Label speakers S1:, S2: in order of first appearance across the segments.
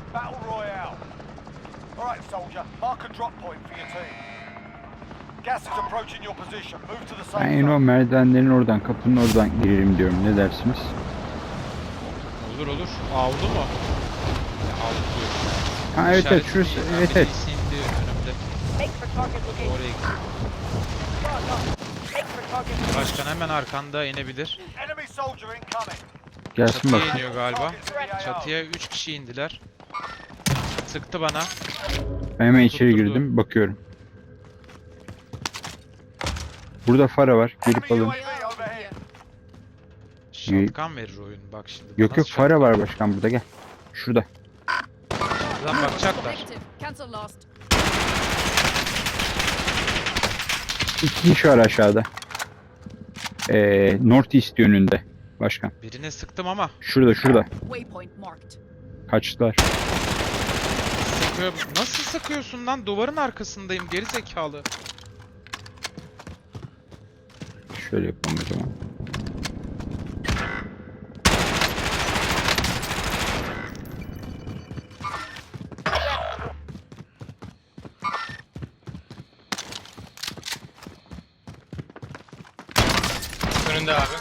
S1: Battle Royale. Alright, soldier. Mark a drop point for your team. Gas is approaching your position. Move to the safe
S2: Ben o
S1: zone.
S2: merdivenlerin oradan, kapının oradan girelim diyorum. Ne dersiniz?
S3: Olur olur. Avlu mu? Ya, avlu diyorum.
S2: Ha evet evet şurası.
S3: İşaretli-
S2: Evet evet.
S3: birisi indi önümde.
S4: Make for target location.
S3: Oraya gidiyor.
S4: Make for target location.
S3: Başkan hemen arkanda inebilir.
S1: Enemy soldier incoming.
S2: Gelsin
S3: Çatıya
S2: bakayım.
S3: iniyor galiba.
S1: Targets in the AO.
S3: Çatıya 3 kişi indiler. Sıktı bana.
S2: Ben hemen içeri
S3: Tutturdu.
S2: girdim. Bakıyorum. Burada fara var. Gelip
S1: Enemy
S2: alın.
S1: UAV overhead.
S3: Şatkan verir oyun bak şimdi.
S2: Yok
S3: Bana
S2: yok fara var başkan burada gel. Şurada.
S3: Lan bakacaklar.
S5: Negative. Cancel last.
S2: İki kişi var aşağıda. North East yönünde. Başkan.
S3: Birine sıktım ama.
S2: Şurada.
S5: Waypoint marked.
S2: Kaçtılar.
S3: Sıkıyor. Nasıl sıkıyorsun lan? Duvarın arkasındayım geri zekalı.
S2: Şöyle yapalım o zaman.
S6: Önünde abi.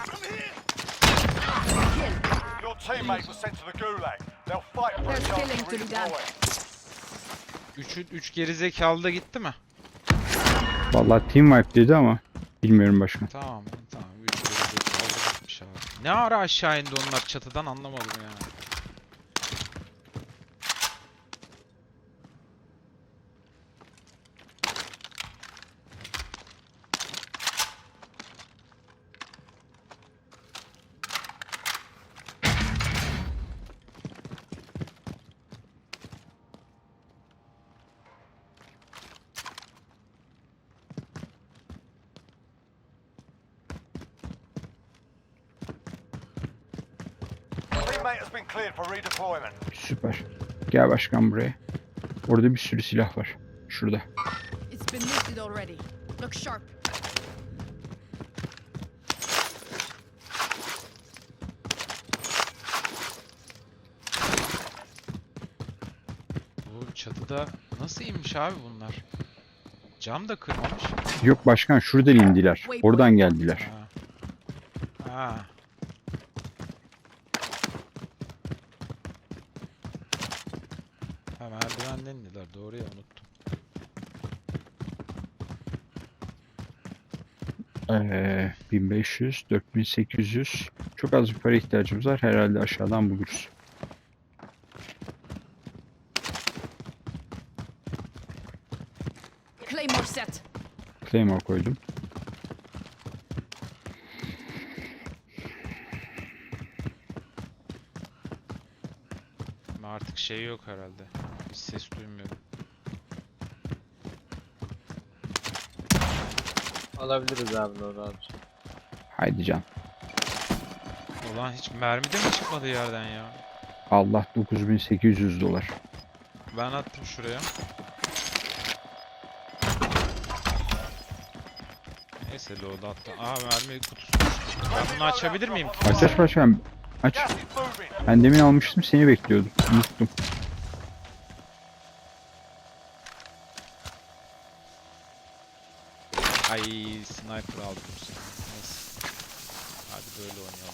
S1: Your teammate was sent to the gulag. They'll fight for a
S5: There's
S1: chance
S5: killing
S1: to
S5: to be done.
S1: redeploy.
S3: 3 geri zekalı da gitti mi?
S2: Vallahi team wipe dedi ama bilmiyorum başkan.
S3: Tamam. 3 geri zekalı gitmiş abi. Ne ara aşağı indi onlar çatıdan anlamadım yani.
S1: Teammate has been cleared for redeployment.
S2: Süper. Gel başkan buraya. Orada bir sürü silah var. Şurada.
S5: It's been looted already. Look sharp.
S3: Bu çatıda nasıl inmiş abi bunlar? Cam da kırmamış.
S2: Yok başkan şuradan indiler. Oradan geldiler.
S3: Ha. Ha. Ha merdivenden indiler. Doğru ya unuttum.
S2: 1500, 4800. Çok az bir para ihtiyacımız var. Herhalde aşağıdan buluruz.
S5: Claymore set.
S2: Claymore koydum.
S3: Ama artık şey yok herhalde. Hiç ses duymuyorum.
S6: Alabiliriz abi doğru abi.
S2: Haydi can.
S3: Ulan hiç mermi de mi çıkmadı yerden ya?
S2: Allah 9800 dolar.
S3: Ben attım şuraya. Neyse load attım. Aa mermi kutusu düştü. Ben bunu açabilir miyim?
S2: Aç başkan. Aç.
S1: Gas is moving.
S2: Ben demin almıştım seni bekliyordum. Unuttum.
S3: Ay sniper aldım bu sefer. Neyse. Hadi böyle oynayalım.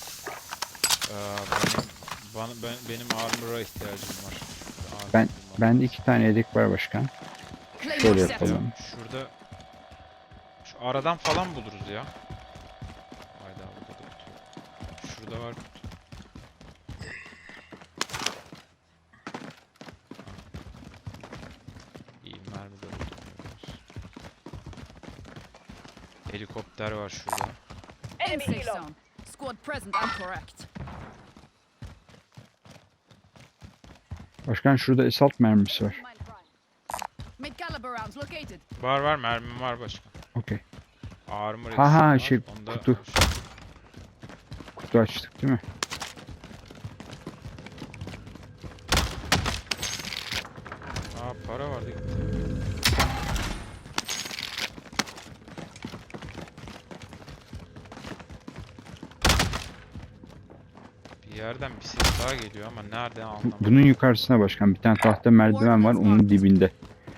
S3: Benim armor'a ihtiyacım var. Armor
S2: Ben
S3: bulmam
S2: bende
S3: lazım.
S2: 2 tane yedek var başkan.
S5: Claymore
S2: Şöyle
S5: set.
S2: yapalım.
S3: Şurada şu aradan falan buluruz ya. Hayda burada da kutu. Şurada var kutu. İyi mermi de buldum. Helikopter var şurada.
S4: Enemy
S5: Safe
S4: helo.
S5: zone. Squad present and correct.
S2: Başkan şurada assault mermisi var.
S5: Mid caliber rounds located.
S3: Var mermim var başka.
S2: Okey.
S3: Armor
S2: Ha, ha,
S3: eksiğim
S2: şey,
S3: var. Onda
S2: kutu. Kutu açtık değil mi?
S3: Aa para vardı. Bir yerden bir ses daha geliyor ama nereden anlamadım.
S2: Bunun yukarısına başkan bir tane tahta merdiven var onun dibinde.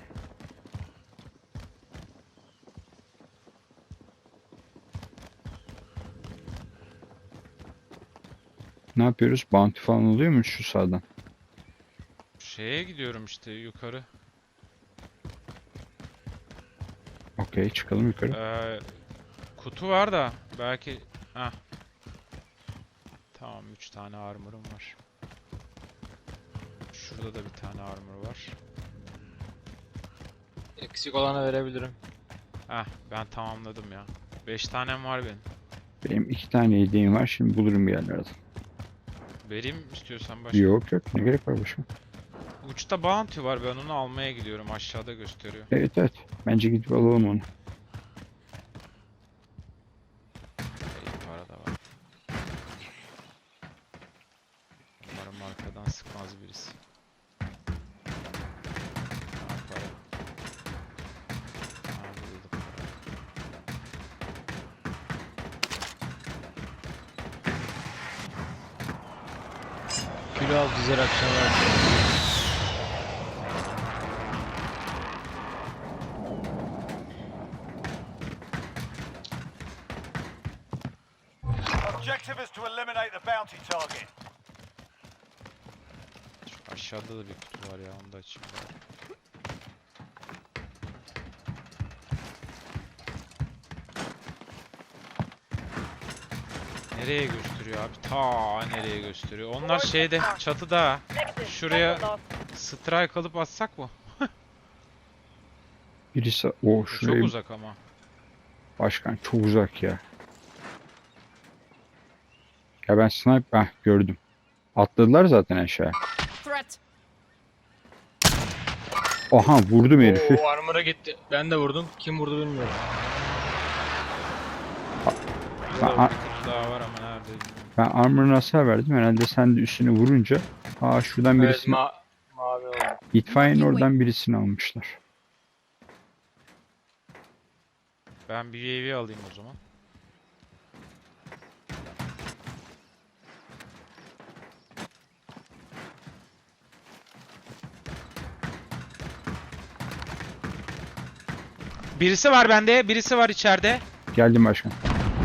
S2: Ne yapıyoruz? Bounty falan oluyor mu şu sağdan?
S3: Şeye gidiyorum işte yukarı.
S2: Okey çıkalım yukarı.
S3: Kutu var da belki... Heh. Tamam 3 tane armor'um var. Şurada da bir tane armor var.
S6: Eksik olana verebilirim.
S3: Heh ben tamamladım ya. 5 tanem var benim.
S2: Benim 2 tane hediyem var şimdi bulurum bir yerlerden.
S3: Vereyim istiyorsan başka.
S2: Yok yok ne gerek var başkan?
S3: Uçta bounty var ben onu almaya gidiyorum aşağıda gösteriyor.
S2: Evet evet bence gidip alalım onu.
S3: İyi para da var. Umarım arkadan sıkmaz birisi. Ha, para. Ha, burada da para.
S6: Kilo al dizer akşamlar.
S1: Objective is to eliminate the bounty target.
S3: Şu aşağıda da bir kutu var ya onu da açayım. Nereye gösteriyor abi? Ta nereye gösteriyor? Onlar şeyde çatıda.
S4: Negative.
S3: Şuraya
S4: Vessel lost.
S3: strike alıp atsak mı?
S2: Birisi o
S3: Çok
S2: şuraya
S3: uzak ama.
S2: başkan çok uzak ya. Ya ben sniper gördüm. Atladılar zaten aşağı.
S5: Threat.
S2: Aha vurdum herifi.
S6: Oo armor'a gitti. Ben de vurdum. Kim vurdu bilmiyorum.
S3: Burada
S2: Ben-
S3: bir kutu daha var ama nerede bilmiyorum.
S2: Ben armor'ına hasar verdim. Herhalde sen de üstüne vurunca. Şuradan
S6: Evet
S2: birisini
S6: mavi oldu.
S2: itfaiyenin oradan birisini almışlar.
S3: Ben bir UAV alayım o zaman. Birisi var bende, birisi var içeride.
S2: Geldim başkan.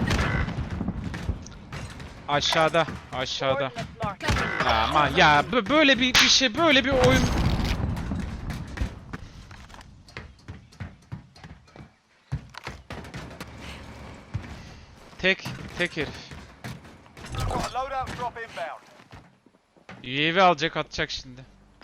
S3: Aşağıda, aşağıda.
S4: Coordinates marked.
S5: Cover.
S3: Aman ya böyle bir şey, böyle bir oyun. Tek herif.
S1: Got a loadout drop inbound.
S3: UAV alacak, atacak şimdi.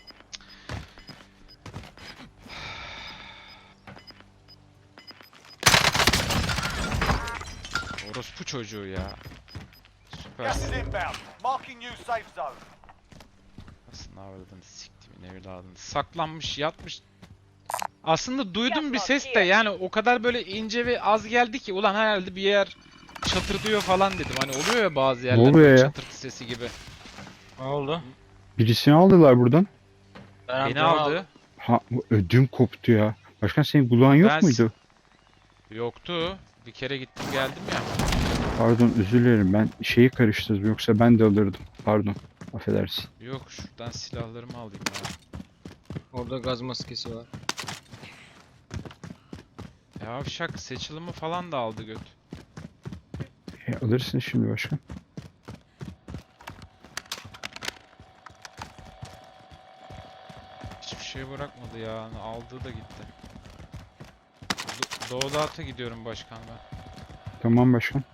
S3: Orospu çocuğu ya.
S1: Gas is
S3: Süpersin.
S1: inbound. Marking new safe zone.
S3: Aslında avradını siktimin evladını. Saklanmış, yatmış. Aslında duydum bir ses de yani o kadar böyle ince ve az geldi ki ulan herhalde bir yer çatırdıyor falan dedim. Hani oluyor ya bazı yerler
S2: oluyor
S3: böyle
S2: ya?
S3: çatırtı sesi gibi.
S6: Ne oldu?
S2: Birisini aldılar buradan.
S6: Ben
S3: Beni
S6: amcamı
S3: aldı.
S6: aldım.
S2: Ha ödüm koptu ya. Başkan senin kulağın yok
S3: Ben-
S2: muydu?
S3: Yoktu. Bir kere gittim geldim ya.
S2: Pardon özür dilerim ben şeyi karıştırdım yoksa ben de alırdım. Pardon affedersin.
S3: Yok şuradan silahlarımı alayım ya.
S6: Orada gaz maskesi var.
S3: Yavşak seçilimi falan da aldı göt.
S2: Alırsın şimdi başkan.
S3: Hiçbir şey bırakmadı ya. Aldığı da gitti. Doğudat'a gidiyorum başkan ben.
S2: Tamam başkan.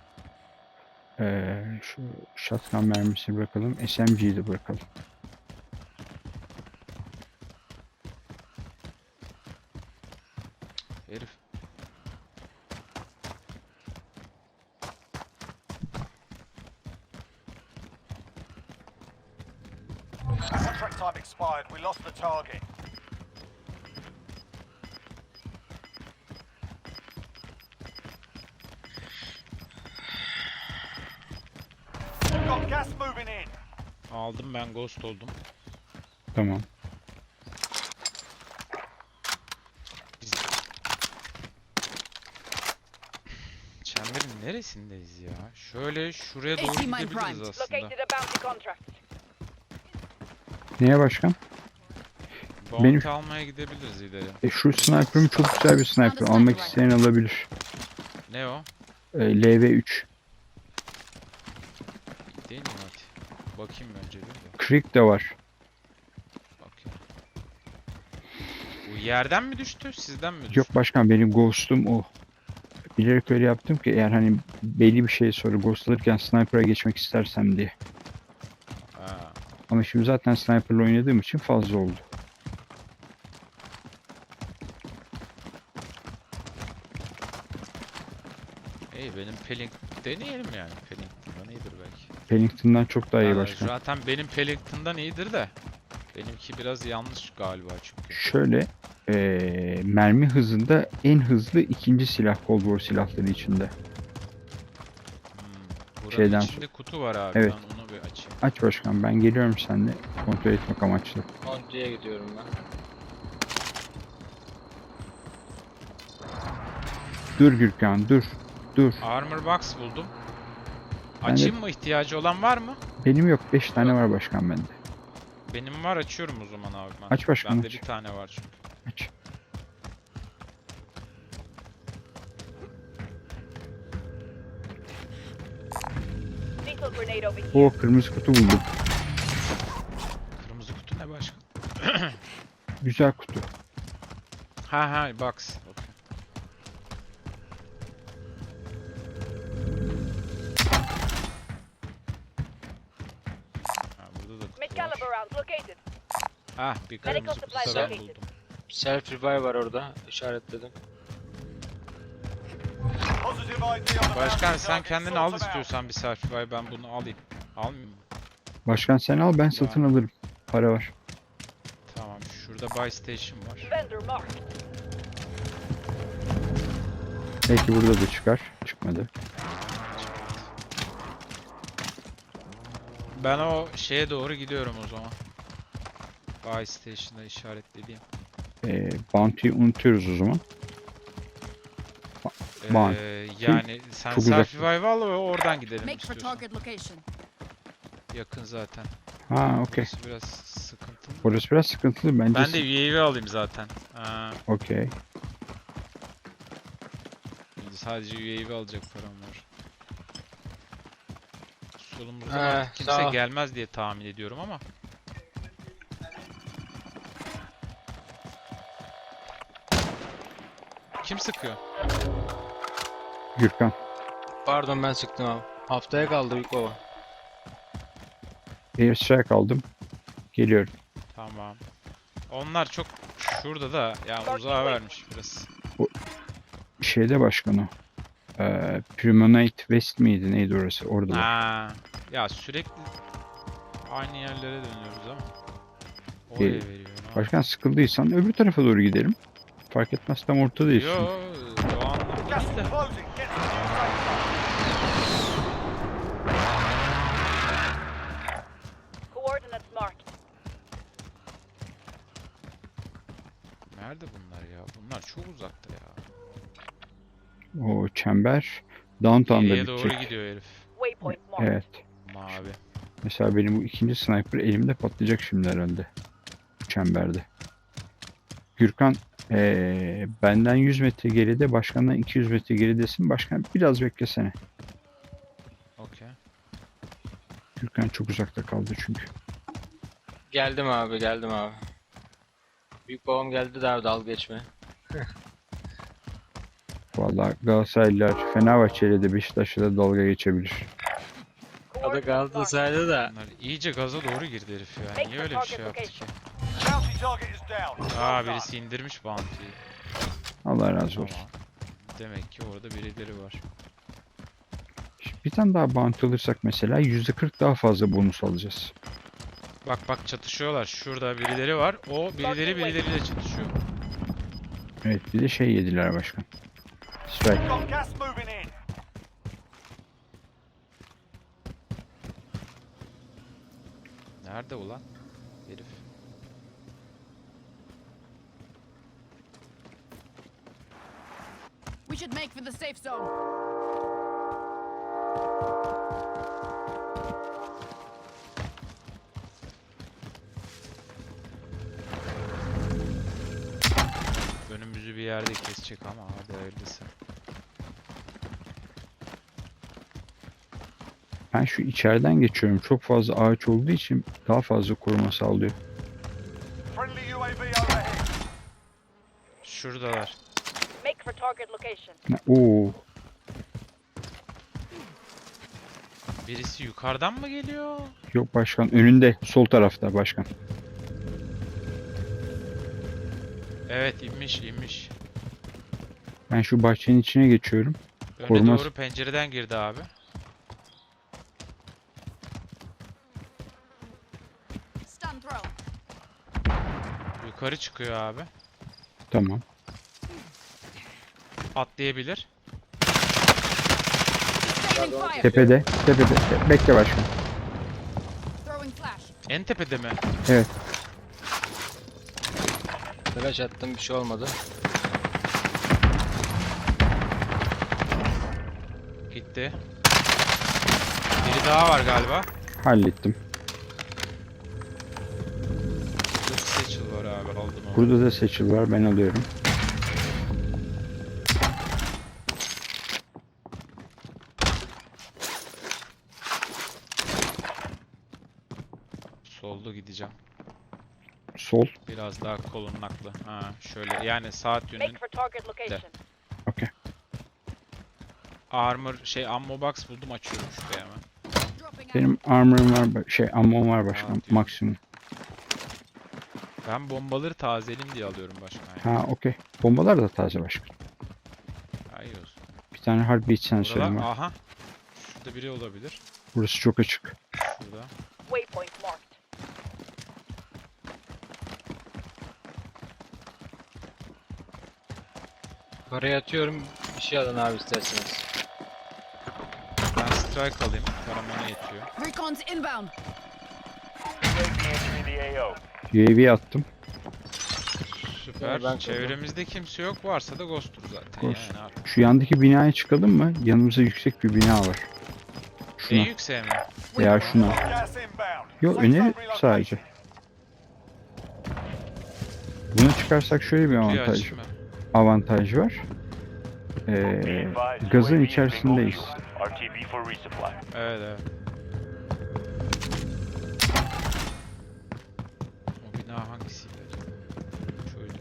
S2: Şu shotgun mermisi bırakalım. SMG'yi de bırakalım.
S3: Herif.
S1: Contract time expired. We lost the target. We've got gas moving in.
S3: Aldım ben ghost oldum.
S2: Tamam.
S3: Channel Hangarın neresindeyiz ya? Şöyle şuraya doğru
S5: 80 mine
S3: gidebiliriz
S5: primed.
S3: aslında.
S4: Located a bounty contract.
S2: Neye başkan?
S3: Bounty almaya gidebiliriz ileri.
S2: Şu sniper'ım çok güzel bir sniper. Almak isteyen alabilir.
S3: Ne o?
S2: LV3.
S3: Değil mi hadi? Bakayım önce bir de.
S2: Creek de var.
S3: Bakayım. Bu yerden mi düştü? Sizden mi düştü?
S2: Yok başkan, benim ghost'um o. Bilerek öyle yaptım ki eğer hani belli bir şey sonra ghost alırken sniper'a geçmek istersem diye.
S3: Ha.
S2: Ama şimdi zaten sniper'la oynadığım için fazla oldu.
S3: İyi benim Pelink deneyelim yani. Pellington'dan iyidir belki.
S2: Pennington'dan çok daha iyi başkan.
S3: Zaten benim Pellington'dan iyidir de. Benimki biraz yanlış galiba çünkü.
S2: Şöyle mermi hızında en hızlı ikinci silah Cold War silahları içinde.
S3: Buranın
S2: Şeyden
S3: içinde kutu var abi.
S2: Evet.
S3: Ben onu bir açayım.
S2: Aç başkan, ben geliyorum seninle kontrol etmek amaçlı.
S6: Kontraya gidiyorum ben.
S2: Dur Gürkan, dur. Dur.
S3: Armor box buldum.
S2: Ben de-
S3: Açayım mı? İhtiyacı olan var mı?
S2: Benim yok, 5 tane var başkan bende.
S3: Benim var, açıyorum o zaman abi ben.
S2: Aç başkanım,
S3: Bende
S2: aç.
S3: bir tane var çünkü.
S2: Aç.
S4: Lethal grenade over here.
S2: O kırmızı kutu buldum.
S3: Kırmızı kutu ne başka?
S2: Güzel kutu.
S3: Ha box. Okey. Ha, burada da kutu var.
S4: Mid-caliber rounds located.
S3: Ah, bir
S4: Medical
S3: kırmızı
S4: supplies
S3: kutu ben
S4: located.
S3: buldum.
S6: Self revive var orada. İşaretledim.
S1: Positive ID on the
S3: Başkan
S1: bounty
S3: sen
S1: target.
S3: kendin
S1: Sort
S3: al
S1: them out.
S3: istiyorsan bir selfie, ben bunu alayım. Almayayım mı?
S2: Başkan sen al, ben satın alırım. Para var.
S3: Tamam, şurada buy station var.
S4: Vendor marked.
S2: Belki burada da çıkar. Çıkmadı.
S3: Ben o şeye doğru gidiyorum o zaman. Buy station'da işaretlediğim.
S2: Bounty'yi unutuyoruz o zaman. Buy.
S3: Yani sen
S2: çok uzak.
S3: selfie al ve oradan gidelim
S5: Make for
S3: istiyorsan.
S5: target location.
S3: Yakın zaten.
S2: Ha okey.
S3: Burası biraz sıkıntılı.
S2: Orası biraz sıkıntılı bence.
S3: Ben de UAV alayım zaten.
S2: Okey.
S3: Sadece UAV alacak param var. Solumuzdan
S6: He,
S3: artık kimse
S6: sağ ol.
S3: gelmez diye tahmin ediyorum ama. Kim sıkıyor?
S2: Gürkan.
S6: Pardon ben sıktım abi. Haftaya kaldı büyük baba.
S2: Airstrike aldım. Geliyorum.
S3: Tamam. Onlar çok şurada da ya uzağa vermiş biraz.
S2: Şeyde başkan o. Primonite West miydi? Neydi orası? Orada.
S3: Ha, ya sürekli aynı yerlere dönüyoruz ama. Oraya
S2: Ee,
S3: veriyor. ne
S2: Başkan sıkıldıysan öbür tarafa doğru gidelim. Fark etmez, tam ortadayız.
S3: yapayım?
S2: şimdi.
S3: Yo, o anlamda
S1: Gas
S3: değil
S1: is
S3: de.
S1: closing. Get to the new safe zone.
S4: Coordinates marked.
S3: Nerede bunlar ya? Bunlar çok uzakta ya.
S2: O çember Downtown'da
S3: Geriye doğru
S2: bitecek.
S3: gidiyor herif.
S4: Waypoint marked.
S2: Evet.
S3: Mavi.
S2: Mesela benim bu ikinci sniper elimde patlayacak şimdi herhalde. Çemberde. Gürkan benden 100 metre geride, başkandan 200 metre geridesin. Başkan biraz beklesene.
S3: Okey.
S2: Gürkan çok uzakta kaldı çünkü.
S6: Geldim abi geldim abi. Büyük babam geldi de abi dalga geçme.
S2: Vallahi Galatasaraylılar Fenerbahçe'yle de Beşiktaş'la da dalga geçebilir.
S6: O da
S4: Coordinates marked.
S6: Galatasaray'da da.
S3: Bunlar iyice gaza doğru girdi herif ya. Niye öyle bir şey yaptı ki?
S1: Bounty target is down. Well
S3: Aa,
S1: done.
S3: birisi indirmiş bounty'yi.
S2: Allah razı olsun.
S3: Tamam. Demek ki orada birileri var.
S2: Şimdi bir tane daha bounty alırsak mesela %40 daha fazla bonus alacağız.
S3: Bak çatışıyorlar. Şurada birileri var. O birileriyle çatışıyor.
S2: Evet, bir de şey yediler başkan. Strike.
S1: Got gas moving in.
S3: Nerede ulan? Herif.
S5: We should make for the safe zone.
S3: Önümüzü bir yerde kesecek ama hadi hayırlısı.
S2: Ben şu içeriden geçiyorum. Çok fazla ağaç olduğu için daha fazla koruma sağlıyor.
S1: Friendly UAV overhead.
S3: Şuradalar.
S4: Make for target location.
S2: Oo,
S3: Birisi yukarıdan mı geliyor?
S2: yok başkan önünde sol tarafta başkan.
S3: Evet, inmiş.
S2: Ben şu bahçenin içine geçiyorum.
S3: Öne
S2: Korumaz.
S3: doğru pencereden girdi abi.
S5: Stun thrown.
S3: Yukarı çıkıyor abi.
S2: Tamam.
S3: Atlayabilir.
S5: Sustaining fire.
S2: Tepede. Bekle başkan.
S5: Throwing flash.
S3: En tepede mi?
S2: Evet.
S6: Flash attım, bir şey olmadı.
S3: Gitti. Biri daha var galiba.
S2: Hallettim.
S3: Burada bir Satchel var abi, aldım onu.
S2: Burada da seçil var. Ben alıyorum.
S3: Solda gideceğim.
S2: Sol.
S3: Biraz daha kolunaklı. Ha, şöyle yani saat yönün
S4: Make for target location.
S2: Okey.
S3: armor ammo box buldum, açıyorum şuraya hemen.
S5: Dropping out.
S2: Benim armor'ım var. Ammom var başkan.
S3: diyor.
S2: Maksimum.
S3: Ben bombaları tazeleyeyim diye alıyorum başkan.
S2: Ha okey. Bombalar da taze başkan.
S3: Hayır olsun.
S2: Bir tane heartbeat sensörüm
S3: Buralar,
S2: var.
S3: aha. Şurada biri olabilir.
S2: Burası çok açık.
S3: Şurada.
S4: Waypoint marked.
S6: Parayı atıyorum, bir şey alın abi isterseniz.
S3: Ben strike alayım. Param ona yetiyor.
S5: Recon's inbound.
S2: UAV attım.
S3: Süper.
S6: ben
S3: Çevremizde kimse yok. Varsa da ghost'tur zaten.
S2: Ghost.
S3: Yani artık.
S2: Şu yandaki binaya çıkalım mı? Yanımızda yüksek bir bina var. Şuna
S3: En yükseğe mi?
S2: veya şuna.
S1: Gas inbound.
S2: Yok
S1: Safe
S2: öneri
S1: zone relocation.
S2: sadece. Buna çıkarsak şöyle bir
S3: Kutuyu
S2: avantaj
S3: açayım ben.
S2: avantaj var. Gazın içerisindeyiz.
S7: RTB for resupply.
S3: Evet. O bina hangisiydi acaba? Şöyle.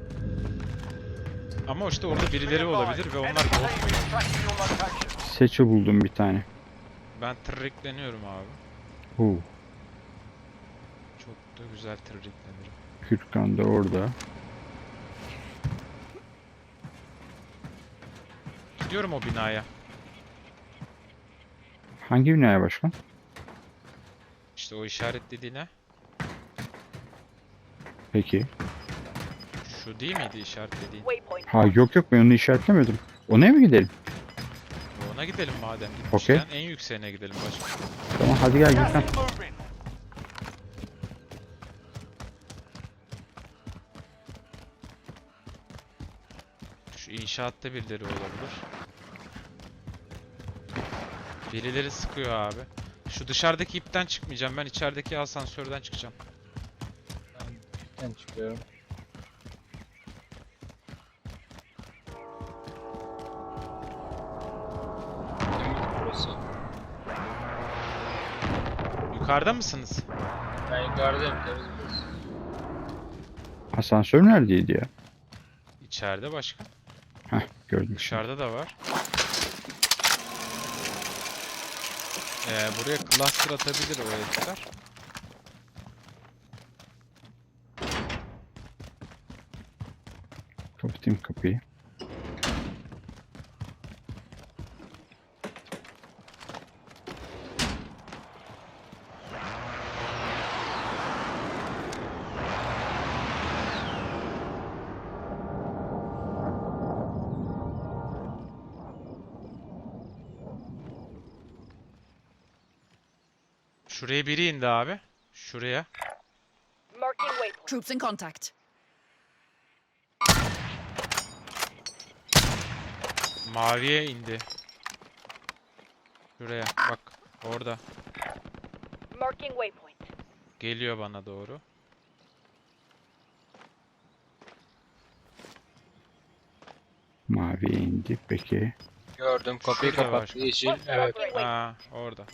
S3: Ama işte orada birileri olabilir ve onlar
S1: Enemy
S3: ghost.
S1: team is tracking your location.
S2: Seçi buldum bir tane.
S3: Ben tırrikleniyorum abi.
S2: Oo,
S3: Çok da güzel tırriklenirim.
S2: Gürkan da orada.
S3: Gidiyorum o binaya.
S2: Hangi binaya başkan?
S3: İşte o işaretlediğine.
S2: Peki.
S3: Şu değil miydi işaretlediğin?
S4: Waypoint
S2: Ha yok ben onu işaretlemedim. Ona mı gidelim?
S3: Ona gidelim madem.
S2: Okey.
S3: Gitmişken en yükseğine gidelim başka.
S2: Tamam hadi gel
S1: Gas
S2: Gürkan.
S1: is moving.
S3: Şu inşaatta birileri olabilir. Birileri sıkıyor abi. Şu dışarıdaki ipten çıkmayacağım. Ben içerideki asansörden çıkacağım.
S6: Ben çıkıyorum. Burası.
S3: Yukarıda mısınız?
S6: Ben yukarıdayım, temiz burası.
S2: Asansör neredeydi ya?
S3: İçeride başka.
S2: Heh gördüm şimdi.
S3: Dışarıda da var. Buraya cluster atabilir o herifler.
S2: Kapatayım kapıyı.
S3: Şuraya biri indi abi. Şuraya.
S4: marking waypoint.
S5: Troops in contact.
S3: Maviye indi. Şuraya bak. Orada.
S4: Marking waypoint.
S3: Geliyor bana doğru.
S2: Maviye indi. Peki.
S6: Gördüm. Kapıyı
S3: Şurada var.
S6: kapattı. Yeşil. Evet.
S3: Aa, orada.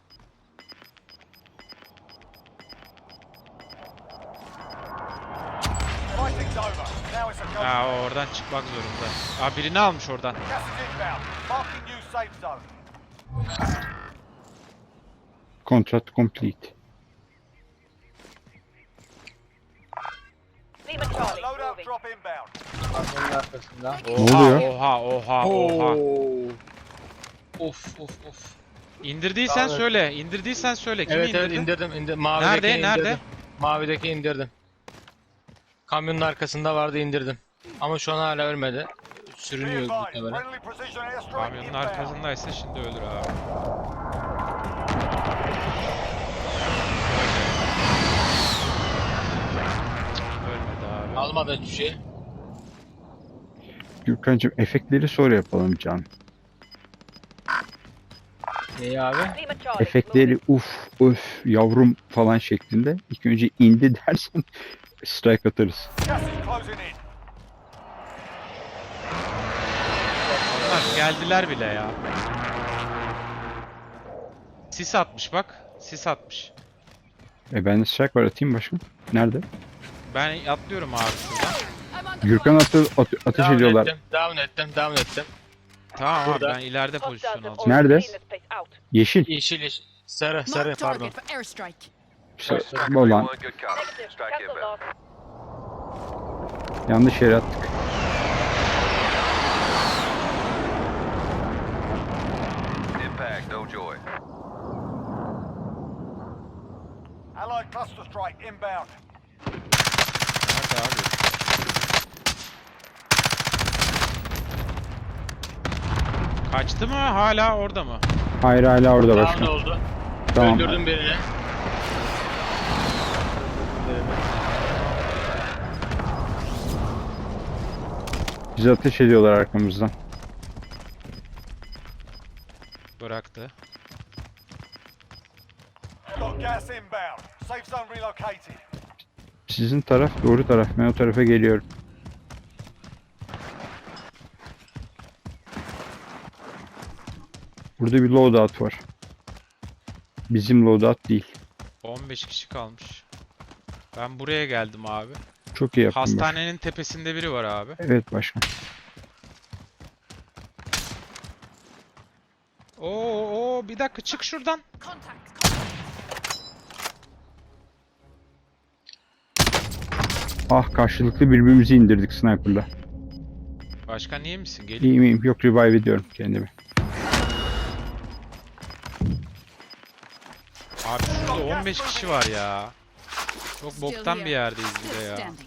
S1: Fighting's over. Now it's a go.
S3: Aa, o oradan çıkmak zorunda. Aa, birini almış oradan.
S1: Gas is inbound. Marking new safe zone.
S2: Contract complete.
S4: Lima Charlie
S1: Loadout
S4: moving.
S1: drop inbound.
S6: Kamyonun arkasında.
S2: Ne oluyor?
S3: Oha.
S6: Of of of.
S3: İndirdiysen
S6: Evet.
S3: söyle. İndirdiysen söyle. Kimi
S6: Evet
S3: indirdin?
S6: indirdim. Mavideki
S3: Nerede?
S6: indirdim.
S3: Nerede?
S6: Mavideki indirdim. Kamyonun arkasında vardı indirdim. Ama şu an hala ölmedi.
S1: Be
S6: Sürünüyor
S1: advised.
S6: muhtemelen.
S1: Friendly precision airstrike
S3: Kamyonun
S1: inbound.
S3: arkasındaysa şimdi ölür abi. Ölmedi abi.
S6: Almadı hiçbir şey.
S2: Gürkan'cığım efektleri sonra yapalım can.
S6: Neyi abi?
S4: Lima Charlie
S2: Efektleri
S4: moving.
S2: uf öf yavrum falan şeklinde. İlk önce indi dersen strike atarız.
S1: Gas is closing in.
S3: Onlar geldiler bile ya. Sis atmış bak. Sis atmış.
S2: Bende strike var atayım başım. Nerede?
S3: Ben atlıyorum abi şuradan.
S5: I'm on the
S2: Gürkan
S5: point.
S2: ateş ediyorlar.
S6: Down ettim.
S3: Tamam abi
S6: Burada.
S3: ben ileride
S4: Hostiles
S3: pozisyon
S4: have
S3: alacağım.
S2: Nerede?
S4: already cleaned this place out.
S2: Yeşil.
S6: Yeşil. Sarı
S5: Mark
S6: pardon.
S5: target for airstrike.
S2: Olan
S7: Good copy.
S4: Negative.
S7: Strike
S4: Cancel
S7: inbound.
S4: loss.
S2: yanlış yere attık.
S7: Impact, no joy.
S1: Allied cluster strike inbound.
S3: Nerede abi? Kaçtı mı? Hala orada mı?
S2: Hayır hala orada
S6: Down
S2: başkan.
S6: oldu.
S2: Tamam.
S6: Öldürdüm birini.
S2: Bizi ateş ediyorlar arkamızdan.
S3: Bıraktı.
S1: Got gas inbound. Safe zone relocated.
S2: Sizin taraf doğru taraf. Ben o tarafa geliyorum. Burada bir loadout var. Bizim loadout değil.
S3: 15 kişi kalmış. Ben buraya geldim abi.
S2: Çok iyi yaptın başkan.
S3: Hastanenin tepesinde biri var abi.
S2: Evet başkan.
S3: Oo, bir dakika çık şuradan.
S5: Contact.
S2: Ah karşılıklı birbirimizi indirdik sniper'la.
S3: Başkan iyi misin? Gel.
S2: İyi miyim? Yok revive ediyorum kendimi.
S3: Abi şurada 15 kişi var ya. Çok
S5: Still
S3: boktan
S5: here.
S3: bir yerdeyiz bir de
S5: Still
S3: ya.
S5: standing.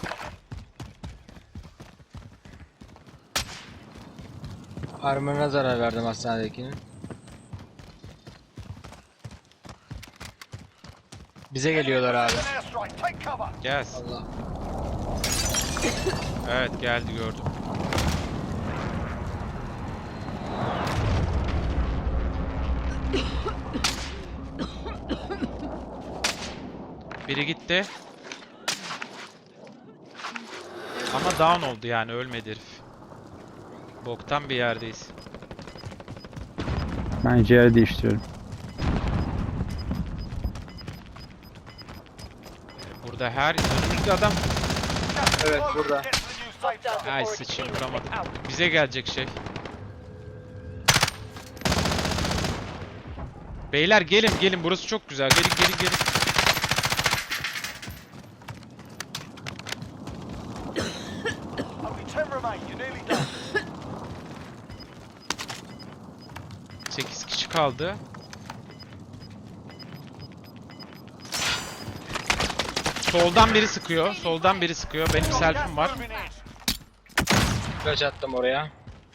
S6: Armor'ına zarar verdim hastanedekinin. Bize geliyorlar abi.
S1: Precision airstrike. Take cover.
S3: Gelsin.
S6: Allah.
S3: Evet geldi gördüm. Biri gitti. Ama down oldu yani ölmedi herif. Boktan bir yerdeyiz.
S2: Ben yer değiştiriyorum.
S3: Burada her önümüzde adam.
S1: Gas is
S6: Evet,
S1: closing.
S6: burada.
S1: Get to the new safe
S4: Hostiles
S1: zone.
S4: have
S3: Ay
S4: already
S3: sıçayım
S4: cleaned this
S3: vuramadım.
S4: place out.
S3: Bize gelecek şey. Beyler gelin burası çok güzel. Gelin.
S1: Only 10 remain. You're nearly done.
S3: 8 kişi kaldı. Soldan biri sıkıyor. Benim
S1: Got
S3: selfie'm
S1: gas
S3: var.
S1: moving in.
S6: Flash attım oraya.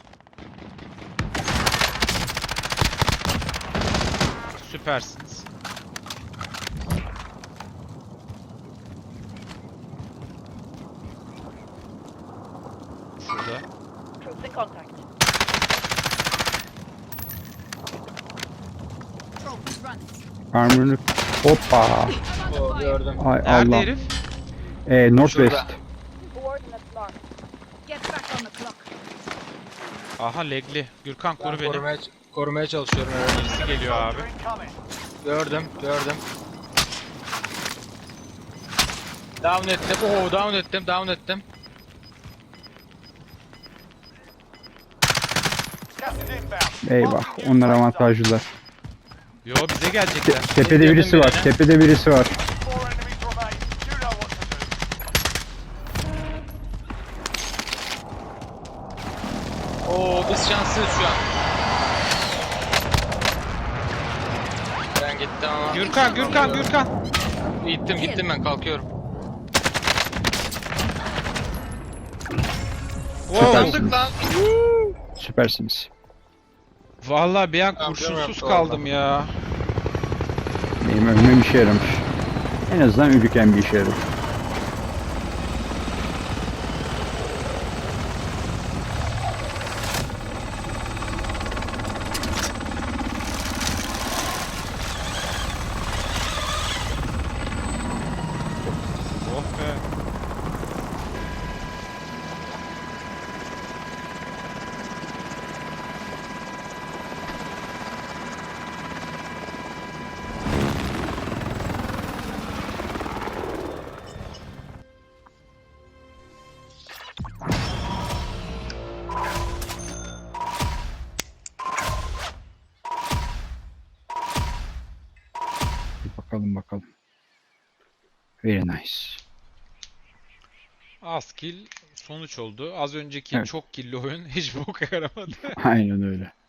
S3: Süpersiniz. Şurada.
S4: Troops in contact.
S5: Run.
S2: Armor'ını hoppa.
S5: I'm
S6: O
S5: under fire.
S6: gördüm.
S2: Ay
S3: Nerede
S2: Allah.
S3: herif?
S2: Northwest.
S6: Şurada.
S4: Coordinates marked.
S5: Get back on the clock.
S3: Aha legli. Gürkan koru beni.
S6: Korumaya çalışıyorum. Evet.
S3: Birisi geliyor abi.
S1: Soldier incoming.
S6: Gördüm. Down ettim. Oo, down ettim.
S1: Gas is inbound.
S2: Eyvah.
S1: Marking new
S2: Onlar
S1: safe zone.
S2: avantajlılar.
S3: Yo bize gelecekler.
S2: Tepede birisi var. Tepede birisi var.
S1: 4 enemies remain. You know what to do.
S6: Oo, biz şanslıyız şu an. Ben gittim ama.
S3: Gürkan.
S6: Gittim ben kalkıyorum.
S3: Wow.
S2: Süpersiniz.
S6: lan.
S2: Süpersiniz.
S3: Vallahi bir an
S6: Tamam,
S3: kurşunsuz
S6: yaptı
S3: kaldım ya.
S2: Benim ölmem işe yaramış. En azından ölürken bir işe yaradı.
S3: Oh be.
S2: Bir bakalım. Very nice.
S3: Az kill sonuç oldu. Az önceki
S2: Evet.
S3: çok killi oyun hiç boka yaramadı.
S2: Aynen öyle.